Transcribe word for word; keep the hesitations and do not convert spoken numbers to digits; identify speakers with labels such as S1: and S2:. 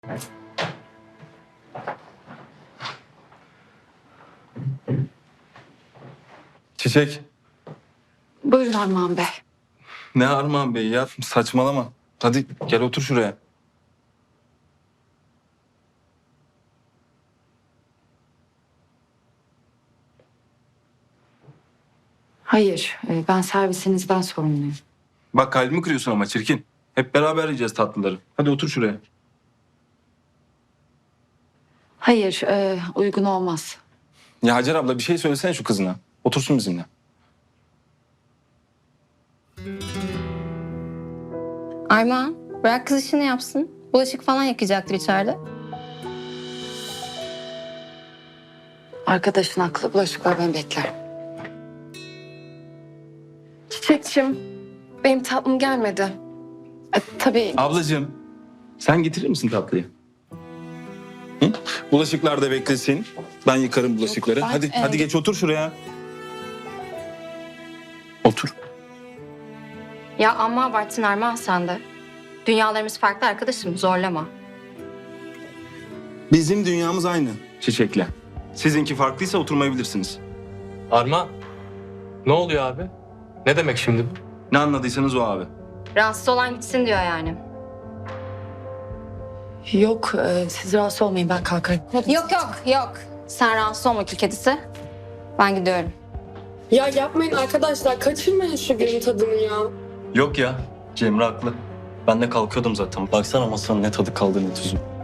S1: Çiçek.
S2: Buyurun Armağan Bey.
S1: Ne Armağan Bey ya? Saçmalama. Hadi gel otur şuraya.
S2: Hayır, e, ben servisinizden sorumluyum.
S1: Bak kalbimi kırıyorsun ama çirkin. Hep beraber yiyeceğiz tatlıları. Hadi otur şuraya.
S2: Hayır, e, uygun olmaz.
S1: Ya Hacer abla bir şey söylesene şu kızına. Otursun bizimle.
S3: Armağan, bırak kız işini yapsın. Bulaşık falan yıkayacaktır içeride.
S2: Arkadaşın haklı, bulaşıklar beni bekler.
S4: Çiçekçim, benim tatlım gelmedi.
S2: E, tabii
S1: Ablacığım sen getirir misin tatlıyı? Hı? Bulaşıklar da beklesin. Ben yıkarım bulaşıkları.
S2: Yok, ben,
S1: hadi
S2: e-
S1: hadi geç otur şuraya. Otur.
S3: Ya amma abarttın Armağan sen de. Dünyalarımız farklı arkadaşım, zorlama.
S1: Bizim dünyamız aynı Çiçek'le. Sizinki farklıysa oturmayabilirsiniz.
S5: Armağan, ne oluyor abi? Ne demek şimdi bu?
S1: Ne anladıysanız o abi.
S3: Rahatsız olan gitsin diyor yani.
S2: yok, e, siz rahatsız olmayın, ben kalkarım.
S3: Yok yok yok. Sen rahatsız olma kül kedisi. Ben gidiyorum.
S4: Ya yapmayın arkadaşlar, kaçırmayın şu günün tadını ya.
S6: Yok ya, Cemre haklı. Ben de kalkıyordum zaten. Baksana masanın ne tadı kaldı ne tuzu.